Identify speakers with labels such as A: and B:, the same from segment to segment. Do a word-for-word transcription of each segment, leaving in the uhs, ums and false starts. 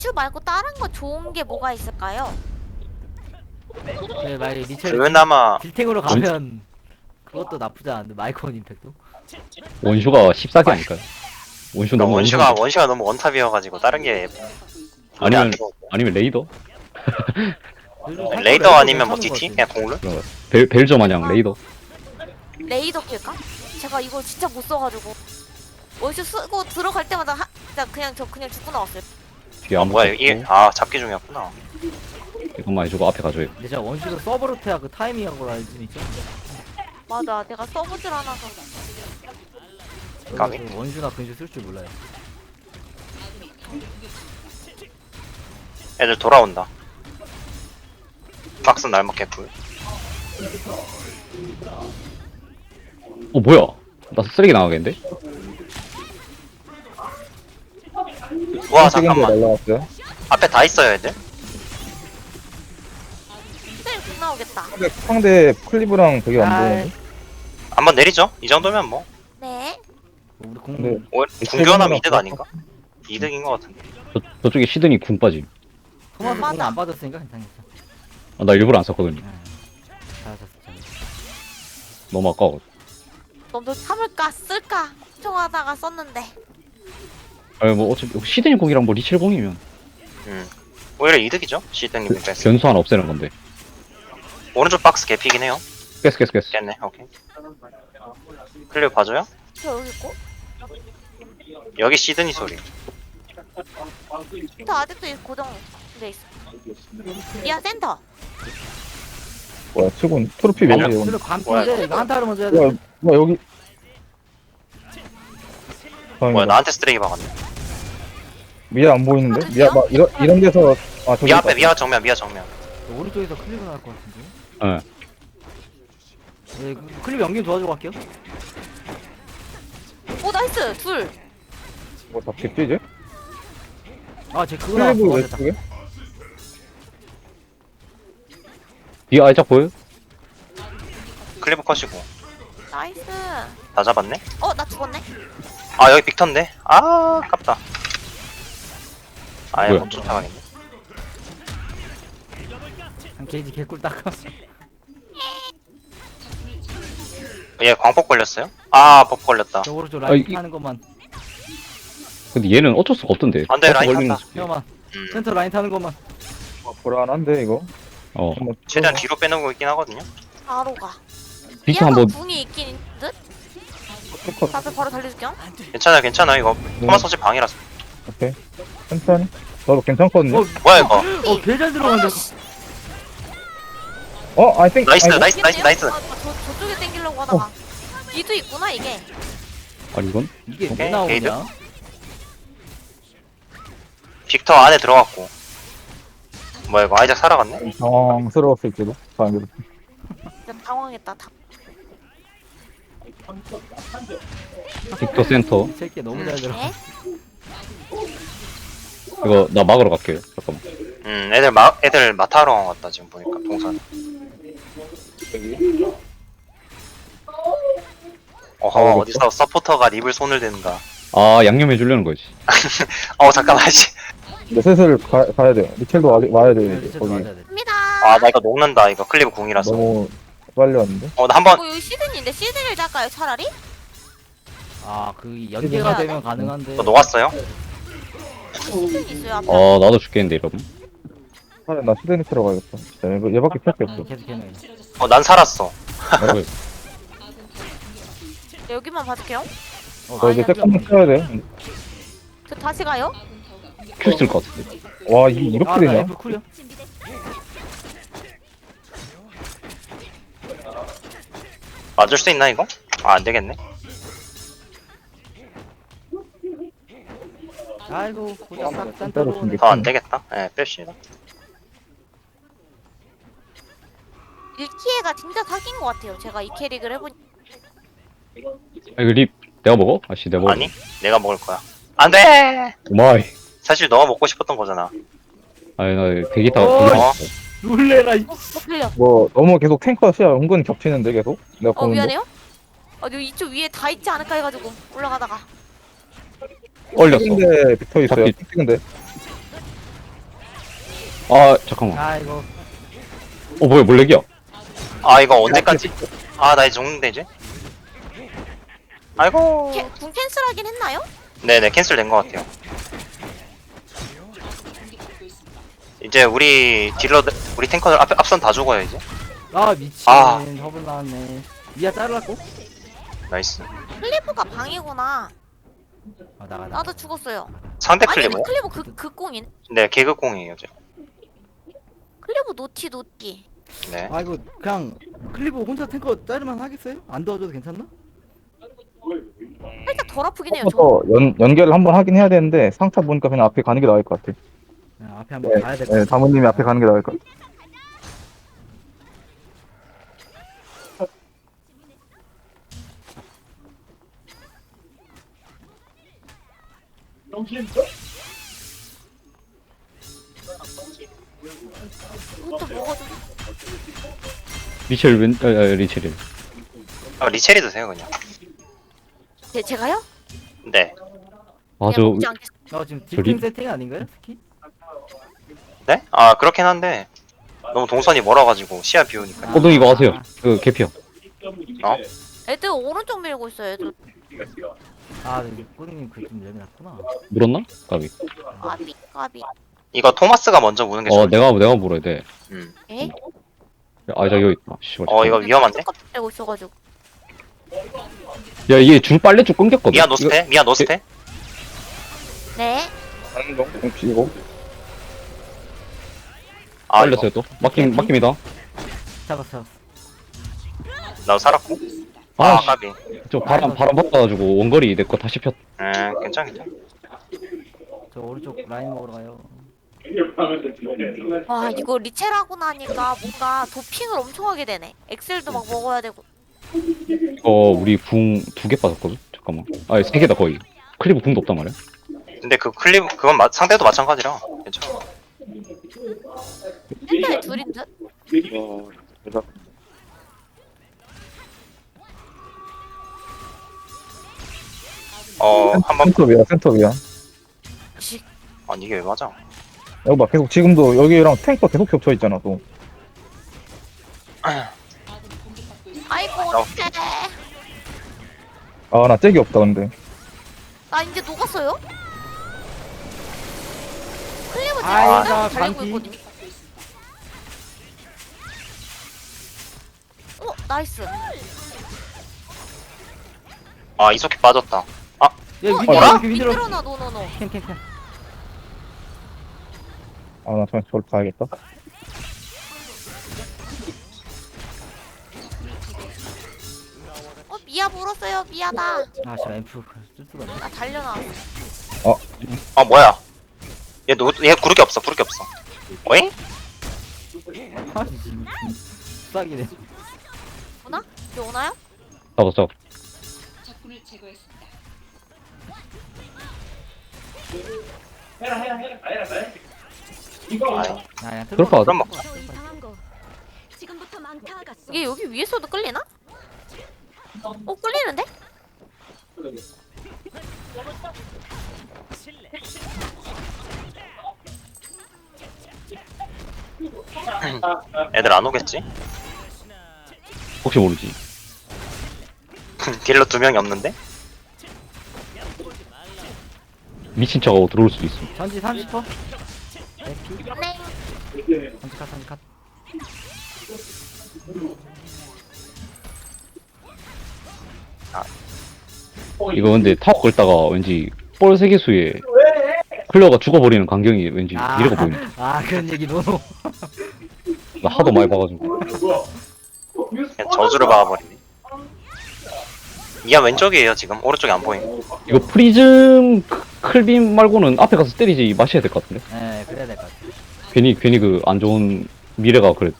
A: 슈 말고 다른 거 좋은 게 뭐가 있을까요?
B: 네, 만약에 리첼
C: 그나마
B: 딜탱으로 가면 그것도 나쁘지 않은데 마이크론 임팩트?
D: 원슈가 십사 개 아닐까요? 원슈
C: 그러니까
D: 너무
C: 원시가
D: 원슈인데.
C: 원시가 너무 원탑이어가지고 다른 게
D: 아니면 아니면 레이더?
C: 레이더 아니면 뭐 디티? 그냥 공룰?
D: 그런 거. 벨 벨저 마냥 레이더.
A: 레이더 킬까? 제가 이걸 진짜 못 써가지고 원슈 쓰고 들어갈 때마다 하, 진짜 그냥 저 그냥 죽고 나왔어요.
D: 뒤에
C: 아
D: 아무것도
C: 뭐야 이게
D: 없고.
C: 아 잡기 중이었구나.
D: 이것만 해주고 앞에 가줘요.
B: 근데 제가 원슈를 서브로트야 그 타이밍한 걸 알고 있죠?
A: 맞아, 내가 써보질 않아서.
C: 까비?
B: 그래서 원슈나 근슈 쓸 줄 몰라요.
C: 애들 돌아온다. 박스 날먹겠고.
D: 어 뭐야? 나 쓰레기 나가겠는데?
C: 와 잠깐만.
E: 날라갔어요.
C: 앞에 다 있어요 애들.
A: 스텔 못 나오겠다.
E: 상대, 상대 클리브랑 되게 안
B: 아,
E: 보이는데?
C: 한번 내리죠. 이 정도면 뭐
A: 네.
B: 우리 공
E: 근데
C: 오- 궁교하면 이득 아닌가? 이득인 것 같은데.
D: 저 저쪽에 시드니 궁 빠짐.
B: 토마스
A: 맞아.
B: 공안 빠졌으니까 괜찮겠어.
D: 아, 나 일부러 안 썼거든요.
B: 잘하셨어, 잘하셨어.
D: 너무 아까워.
A: 너도 참을까 쓸까 걱정하다가 썼는데.
D: 아니 뭐 어차피 시드니 궁이랑 뭐 리첼 궁이면
C: 음. 오히려 이득이죠. 시드님이 뺐어.
D: 변수 하나 없애는 건데.
C: 오른쪽 박스 개피긴 해요.
D: 깼어 깼어 깼어.
C: 깼네. 오케이. 클리어 봐줘요.
A: 저 여기 있고.
C: 여기 시드니 소리.
A: 저 아직도 이 고정돼 있어. 미아 센터.
E: 뭐야, 치곤 트로피
C: 맞아.
E: 왠지
B: 그래
E: 여기.
B: 반피인데 이거 한타를 먼저 해야 돼.
E: 뭐야, 뭐야, 여기.
C: 뭐야
E: 다행이다.
C: 나한테 쓰레기 박았네.
E: 미아 안 보이는데? 미아, 막, 이런, 이런 데서. 아, 저기.
C: 미아 앞에
E: 있다.
C: 미아 정면 미아 정면.
B: 오른쪽에서 클립을 나올 것 같은데.
D: 예.
B: 네, 그 클립 연기 도와주고 갈게요.
A: 오 나이스 둘.
E: 뭐 잡겠지, 이제?
B: 아, 제 그거 나왔어.
E: 클리브
B: 맞았다.
E: 왼쪽에?
D: 뒤에 아이작 보여?
C: 클리브 컷이고
A: 나이스.
C: 다 잡았네.
A: 어 나 죽었네.
C: 아 여기 빅턴데. 아 아깝다. 아예
D: 뭐야?
C: 못 쫓아가겠네.
B: 한 게이지 개꿀 닦아.
C: 얘 광폭 걸렸어요? 아 버프 걸렸다.
B: 저 오른쪽
D: 아,
B: 라인
D: 이-
B: 타는 것만.
D: 근데 얘는 어쩔 수가 없던데.
C: 안 돼,
D: 버프
C: 라인
D: 걸리는
C: 탄다.
D: 스킬.
B: 형만
C: 음.
B: 센터 라인 타는 것만.
E: 아, 불안한데, 이거?
D: 어.
E: 한번
C: 최대한
E: 뚫어봐.
C: 뒤로 빼놓고 있긴 하거든요.
A: 바로 가.
D: 비트
A: 미아가
D: 한번
A: 궁이 있긴 있 듯.
E: 컷.
A: 앞에 바로 달려줄게요.
C: 괜찮아 괜찮아 이거 토마스 어제 방이라서.
E: 오케이. 천천히. 저도 괜찮거든요.
B: 어,
C: 뭐야 이거.
B: 어, 개 잘 들어간다.
E: 어, I think.
C: 나이스
E: 아이고,
C: 나이스 나이스 나이스.
A: 아, 저, 저쪽에 땡기려고 하다가. 뒤도 있구나 이게.
D: 아니 이건
B: 이게 왜
C: 오케이,
B: 나오냐?
C: 게이드. 빅터 안에 들어갔고. 뭐야 이거 아이작 살아갔네?
E: 당황스러웠을지도. 다행히도.
A: 진짜 당황했다. 다.
D: 빅터 센터.
B: 이 새끼 너무 잘 들어.
A: 네?
D: 이거 나 막으러 갈게요. 잠깐만.
C: 음 애들 마 애들 마타하러 간 것 같다 지금 보니까 동산. 어허
E: 아,
C: 어디서 서포터가 립을 손을 댄다.
D: 아 양념해 주려는 거지.
C: 어 잠깐만 씨.
E: 근데 슬슬 가, 가야 돼요. 리첼도 아직 와야 돼요, 이제.
B: 리첼도
E: 거기.
B: 맞아야 돼.
A: 갑니다.
C: 아 나 이거 녹는다 이거 클리브 궁이라서.
E: 너무 빨리 왔는데?
C: 어 나 한번
A: 어 여기 시드니인데 시드니를 잡까요 차라리?
B: 아, 그 연계가 되면 가능한데.
C: 이거 녹았어요?
A: 시드니 있어요 앞에.
D: 어 나도 죽겠는데 이러면.
E: 차라리 나 시드니 틀어 가야겠다. 진짜 얘- 얘밖에 필요 없어.
B: 계속 해놔요.
C: 어 난 살았어.
D: 어,
A: 네, 여기만 봐줄게요.
B: 어,
E: 저 이제
A: 아니야,
E: 세컨드 쳐야 돼.
A: 저 다시 가요?
D: 큐 쓸 것 같은데.
E: 와, 이게 이렇게
B: 아, 나
E: 되냐?
B: F 쿨이야.
C: 맞을 수 있나 이거? 아 안되겠네.
B: 아이고, 고작 싹
E: 따로
B: 센터로 오네.
E: 준비.
C: 더 안되겠다. 예 뺍시다.
A: 일키에가 진짜 사기인 것 같아요. 제가 이 캐릭을 해보니.
D: 아 이거 립 내가 먹어? 아씨 내가 먹어.
C: 아니 내가 먹을 거야. 안돼.
D: 오마이.
C: 사실 너가 먹고 싶었던 거잖아.
D: 아니 나 대기 타.
B: 어,
D: 대기
C: 어.
D: 타-
B: 놀래라, 이.
A: 어, 틀려.
E: 뭐, 너무 계속 탱커 시야 은근 겹치는데, 계속? 내가
A: 어
E: 보는데?
A: 미안해요. 어 여기 이쪽 위에 다 있지 않을까 해가지고 올라가다가.
D: 얼렸어.
E: 근데 붙어 있어요.
D: 잡기.
E: 찍는데.
D: 아 잠깐만.
B: 아 이거
D: 어 뭐야 몰렉이야.
C: 아 이거 언제까지? 아 나 이제 죽는데 이제? 아이고.
A: 캐, 궁 캔슬하긴 했나요?
C: 네네 캔슬 된 것 같아요. 이제 우리 딜러 우리 탱커들 앞 앞선 다 죽어요 이제.
B: 아 미친
C: 아.
B: 허블 나왔네. 미아 자르라고?
C: 나이스.
A: 클리브가 방이구나.
B: 아 나가 나.
A: 나도 죽었어요.
C: 상대
A: 아니
C: 클리브요?
A: 클리브 그, 그 꽁인.
C: 네 개그공이에요 이제.
A: 클리브 노티 노티.
C: 네.
B: 아 이거 그냥 클리브 혼자 탱커 자르만 하겠어요? 안 도와줘도 괜찮나?
A: 살짝 덜 아프긴 해요. 저.
E: 더 연, 연결을 한번 하긴 해야 되는데 상차 보니까 그냥 앞에 가는 게 나을 것 같아.
B: 그냥 앞에 한번
E: 네,
B: 가야 될 것
E: 네,
B: 같아.
E: 다모님이 앞에 가는 게 나을 것 같아.
A: 이것도 먹어줘.
D: 리첼 왼 아, 아, 리첼이.
C: 아 리체리 드세요 그냥.
A: 제, 제가요?
C: 네.
D: 아저
A: 그냥 먹지 않겠...
B: 어 지금
D: 저리-
B: 딜팀 세팅 아닌가요? 스키?
C: 네? 아 그렇긴 한데 너무 동선이 멀어가지고 시야 비우니까.
D: 호동 이거 아세요? 그 개피야.
C: 어?
A: 애들 오른쪽 밀고 있어요. 애들.
B: 아 네, 꼬딩님 그좀 예민했구나.
D: 물었나? 까비.
A: 까비 까비.
C: 이거 토마스가 먼저 무는 게
D: 어
C: 좋을 것
D: 내가 내가 물어야 돼.
C: 음.
A: 에?
D: 아이작 여기 있다. 씨발.
C: 어 이거 위험한데?
A: 고 있어가지고.
D: 야 이게 줄 빨래 줄 끊겼거든.
C: 미아 노스테? 미아 노스테?
A: 네.
E: 하는 동 이거
C: 아 이거
D: 빨렸어요 또. 막힘 막힘이다.
B: 잡았어 잡았어.
C: 나도 살았고. 아
D: 아, 씨.
C: 까비.
D: 저 바람 바람 바꿔가지고 원거리 내 거 다시 폈.
C: 음 괜찮겠다.
B: 저 오른쪽 라인 먹으러 가요.
A: 와 이거 리첼하고 나니까 뭔가 도핑을 엄청 하게 되네. 엑셀도 막 먹어야 되고.
D: 이거 우리 궁 두 개 빠졌거든. 잠깐만. 아니 세 개다 거의. 클리브 궁도 없단 말이야.
C: 근데 그 클립 그건 마, 상대도 마찬가지라 괜찮아.
A: 펜타에 둘인 듯?
C: 어 한번
E: 센터 위야 센터 위야.
A: 씨.
C: 아니 이게 왜 맞아?
E: 여기 봐 계속 지금도 여기랑 탱커 계속 겹쳐 있잖아 또.
A: 아이고
C: 어.
A: 어떡해.
E: 아 나 잭이 없다 근데.
A: 나 이제 녹았어요? 클리브 지금
B: 아이고,
A: 진짜 달리고
B: 반피.
A: 있거든요. 어 나이스.
C: 아 이석기 빠졌다.
B: 야
A: 어,
B: 위로
A: 야,
B: 이렇게 위로.
A: 미끄러나 노노노.
B: 캔캔캔.
E: 아나 정말 저를 가야겠다.
A: 어 미아 물었어요. 미아다.
B: 아 씨발 앰프 쓸 수가 없네.
A: 나 달려나왔어.
C: 아 뭐야? 얘 누구 얘 구르기 없어 구르기 없어. 어잉?
B: 아 지금 수학이네.
A: 오나? 이제 오나요?
D: 잡아 잡아.
F: 적군을 제거했습니다.
C: 아이,
B: 아 그냥
D: 그럴 거
C: 그럼 먹자.
F: 저 이상한 거. 지금부터 망타갔어.
A: 이게 여기 위에서도 끌리나? 어 끌리는데?
C: 애들 안 오겠지?
D: 혹시 모르지.
C: 딜러 두 명이 없는데?
D: 미친 척하고 들어올 수도 있어.
B: 전지 삼십 퍼. 에피.
A: 네.
B: 전지 컷 전지 컷.
D: 이거 근데 타워 걸다가 왠지 볼 세계수에 클레어가 죽어버리는 광경이 왠지 미래가 보이네.
B: 아 그런 얘기 노노.
D: 나 하도 많이 봐가지고.
C: 그냥 저주를 박아버리네. 미아 왼쪽이에요 지금 오른쪽이 안 보임.
D: 이거 프리즘 크- 클빔 말고는 앞에 가서 때리지 마셔야 될 것 같은데.
B: 네 그래야 될 것 같아.
D: 괜히 괜히 그 안 좋은 미래가 그래.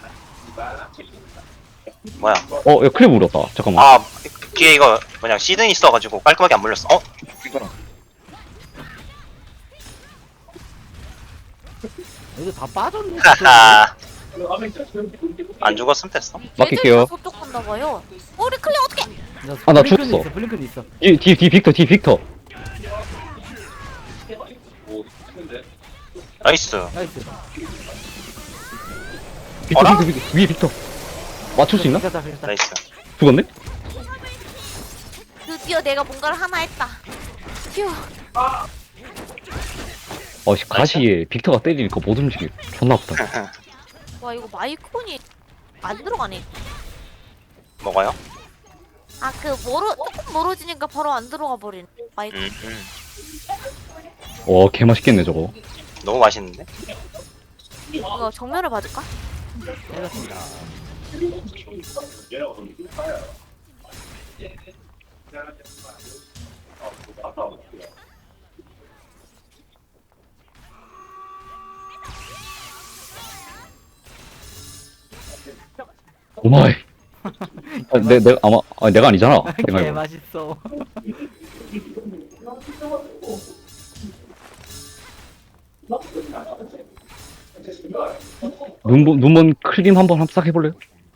C: 뭐야?
D: 어, 야 클립 울었다. 잠깐만.
C: 아 뒤에 이거 뭐냐 시든 있어가지고 깔끔하게 안 물렸어. 어?
B: 여기 다 빠졌네.
C: 하하. 안 죽었으면 됐어.
D: 맡길게요.
A: 저쪽 간다 봐요. 어, 우리 클리 어떻게?
D: 아, 나
B: 블링크는
D: 죽었어.
B: 있어, 블링크는 있어.
D: 뒤, 뒤, 뒤 빅터, 뒤 빅터.
C: 나이스.
B: 나이스.
D: 빅터
C: 어라?
D: 빅터 빅터 위에 빅터 맞출 수 있나?
B: 비켰다 비켰다.
C: 나이스.
D: 죽었네?
A: 드디어 내가 뭔가를 하나 했다. 휴.
D: 어씨 가시에 빅터가 때리니까 못 움직여 존나 아프다.
A: 와 이거 마이콘이 안 들어가네.
C: 먹어요?
A: 아 그 멀어 조금 멀어지니까 바로 안 들어가 버리네. 마이콘.
C: 음, 음.
D: 와 개맛있겠네 저거.
C: 너무 맛있는데?
A: 이거 정면을 봐줄까?
B: 때렸습니다.
D: 오마이. 아, 내, 내가 아마 아, 내가 아니잖아. 내가
B: 개
D: 이거.
B: 맛있어.
D: 눈먼 눈먼 클림 한번 싹 해볼래요?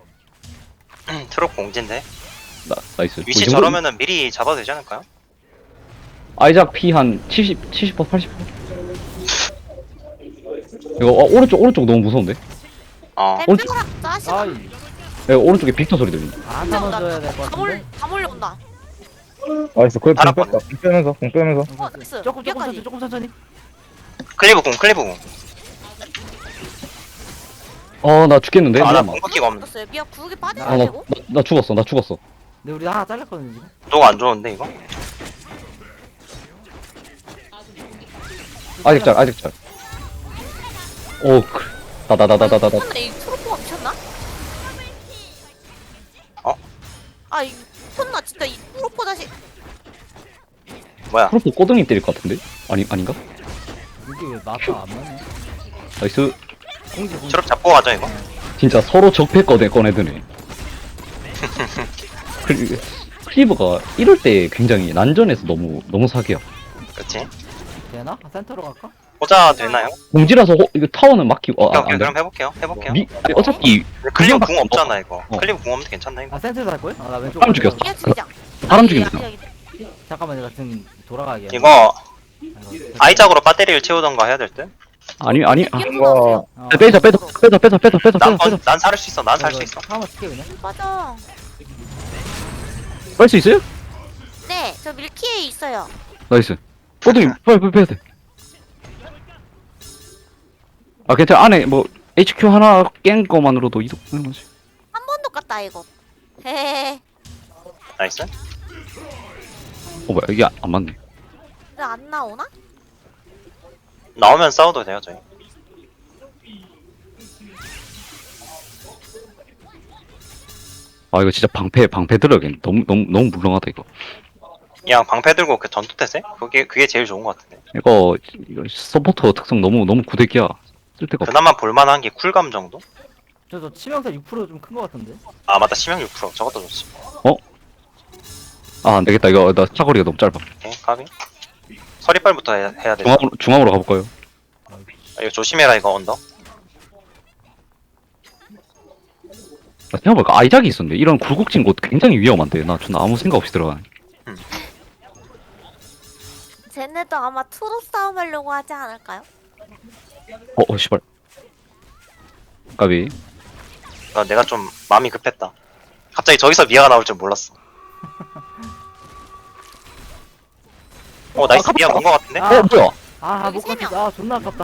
C: 트럭 공진데?
D: 나 나이스.
C: 위치
D: 뭐, 이 정도-
C: 저러면은 미리 잡아도 되지 않을까요?
D: 아이작 피 한 칠십 칠십 퍼 팔십 퍼. 이거 어, 오른쪽 오른쪽 너무 무서운데?
C: 어.
A: 뱀들아 짜식아.
B: 아이.
D: 야, 오른쪽에 빅터 소리 들린다.
B: 안 넣어줘야 될 것
A: 다 몰,
B: 같은데.
A: 다 몰려온다.
E: 나이스. 그래, 공
C: 알았거든.
E: 뺐다. 공 빼면서, 공 빼면서.
A: 어, 나이스.
B: 조금 조금
A: 여기까지.
B: 천천히 조금 천천히.
C: 클리브 공, 클리브 공.
D: 어 나 죽겠는데?
C: 아, 나
D: 잠깐만.
C: 공격기가 없네.
A: 떴어요. 미야 구르기 빠져야
D: 아, 나,
A: 되고.
D: 나, 나 죽었어 나 죽었어.
B: 근데 우리 하나 잘렸거든 지금.
C: 너가 안 좋은데, 이거?
D: 아직 잘 아직 잘. 오 그. 다다다다다다다.
A: 미쳤나? 이 트로포가 미쳤나?
C: 어?
A: 아, 이 미쳤나? 진짜 이 트로포 자식.
C: 뭐야?
D: 프로포 꼬등이 때릴 것 같은데? 아니 아닌가?
B: 이게 왜 마파 안 맞네?
D: 나이스.
B: 공지 공지.
C: 트럭 잡고 가자, 이거.
D: 진짜 서로 적폐 꺼내 꺼내드네. 그- 클리브가 이럴 때 굉장히 난전에서 너무 너무 사기야.
C: 그치?
B: 되나? 센터로 갈까?
C: 보자 되나요?
D: 공지라서 호, 이거 타워는 막히고 아,
C: 오케이,
D: 안
C: 오케이.
D: 돼.
C: 그럼 해볼게요. 해볼게요.
D: 미, 아니, 어차피
C: 클리브
D: 그냥
C: 궁 없잖아, 이거.
D: 어.
C: 클리브 궁 없는데 괜찮나, 이거?
B: 아 센터에서 할 거야? 아나 왼쪽.
D: 사람 죽였어.
A: 미야 죽이자.
D: 사람
A: 아니,
D: 죽인다.
A: 아니, 아니.
B: 잠깐만 내가 지금 돌아가게.
C: 이거,
B: 아이고,
C: 아이작으로 배터리를 채우던가 해야 될 듯?
D: 아니 아니 아,
A: 미야
E: 이거-
A: 쏘세요.
B: 어.
D: 빼자 빼자 빼자 빼자 빼자 빼자
C: 난,
D: 빼자
C: 번, 난 살 수 있어, 난 살 수 있어.
B: 한번 칠게 그냥.
A: 빠져.
D: 뺄 수 있어요?
A: 네, 저 밀키에 있어요.
D: 나이스. 꼬등이 빨리 빨리 빼야 돼. 아 괜찮아 안에 뭐 에이치큐 하나 깬 거만으로도 이득 되는 거지.
A: 한 번도 깠다 이거. 헤헤헤.
C: 나이스.
D: 어 뭐야 이게 안, 안 맞네.
A: 왜 안 나오나?
C: 나오면 싸워도 돼요, 저희.
D: 아 이거 진짜 방패 방패 들어야겠네. 너무 너무 너무 물렁하다 이거.
C: 그냥 방패 들고 그 전투 태세? 그게, 그게 제일 좋은 것 같은데.
D: 이거 이거 서포터 특성 너무 너무 구대기야. 쓸 데가 없어.
C: 그나마 볼만한 게 쿨감 정도?
B: 저저 치명타 육 퍼센트 좀 큰 거 같은데.
C: 아, 맞다. 치명 육 퍼센트. 저것도 좋지.
D: 아 안되겠다 이거 나 사거리가 너무 짧아.
C: 오케이, 가비. 서리빨부터 해야, 해야 돼.
D: 중앙으로 중앙으로 가볼까요?
C: 아, 이거 조심해라, 이거 언덕.
D: 아, 생각해보니까 아이작이 있었는데 이런 굴곡진 곳 굉장히 위험한데 나 존나 아무 생각 없이 들어가네.
A: 쟤네도 아마 투로 싸움하려고 하지 않을까요?
D: 어, 어 씨발. 까비.
C: 아, 내가 좀 마음이 급했다. 갑자기 저기서 미아가 나올 줄 몰랐어. 어, 나이스.
D: 아,
C: 미아 온 것 같은데?
B: 아.
D: 어 뭐야?
B: 아못
A: 여기 세 명.
B: 갔다. 아 존나 아깝다.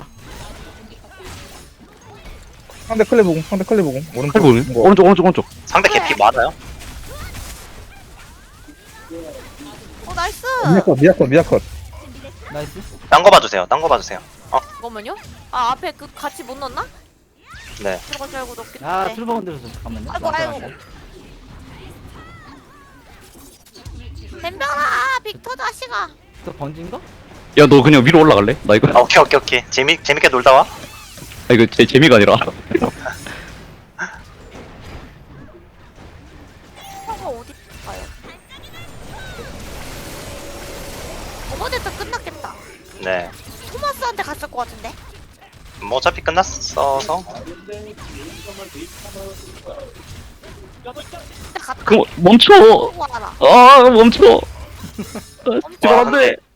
E: 상대 클리브 공, 상대 클리브 공. 오른쪽.
D: 칼보네.
E: 이거.
D: 오른쪽 오른쪽 오른쪽.
C: 상대 개피 많아요?
A: 어 나이스.
E: 미아컷, 미아컷, 미아컷.
B: 나이스.
C: 딴 거 봐주세요. 딴 거 봐주세요.
A: 잠깐만요. 아 앞에 그 같이 못 넣었나?
C: 네.
A: 들어갈 줄 알고 넣었겠
B: 아
A: 네.
B: 트루버 건드렸어. 잠깐만요.
A: 아이고 아이고. 덤벼라 빅터 자식아.
B: 또 번진가?
D: 야 너 그냥 위로 올라갈래? 나 이거
C: 아, 오케이, 오케이, 오케이. 재미, 재밌게 놀다 와.
D: 아 이거 제 재미가 아니라.
A: 형아 어디 가요? 어머니도 끝났겠다.
C: 네.
A: 토마스한테 갔을 것 같은데.
C: 뭐 어차피 끝났어서.
A: 근데 갔다.
D: 그럼 멈춰.
A: 보고 와라.
D: 아 멈춰.
A: 멈춰.
D: 지금 안 돼.